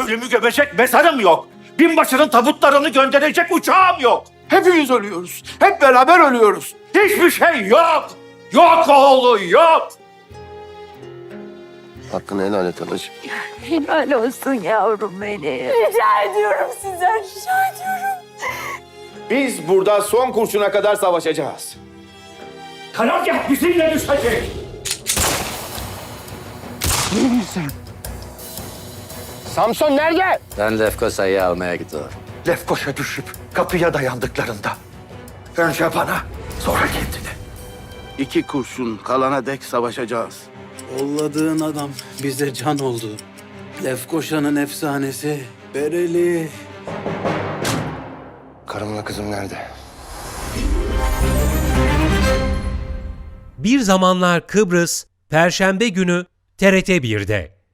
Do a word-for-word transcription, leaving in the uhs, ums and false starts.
Ölümü gömecek mezarım yok. Binbaşının tabutlarını gönderecek uçağım yok. Hepimiz ölüyoruz. Hep beraber ölüyoruz. Hiçbir şey yok. Yok oğlu yok. Hakkını helal et anacığım. Helal olsun yavrum benim. Rica ediyorum sizden, rica ediyorum. Biz burada son kurşuna kadar savaşacağız. Karargah bizimle düşecek. Samson nerede? Ben Lefkosa'yı almaya gidiyorum. Lefkoşa düşüp kapıya dayandıklarında önce bana sonra kendine. İki kurşun kalana dek savaşacağız. Yolladığın adam bize can oldu. Lefkoşa'nın efsanesi Bereli. Karımla kızım nerede? Bir Zamanlar Kıbrıs, Perşembe günü T R T bir'de.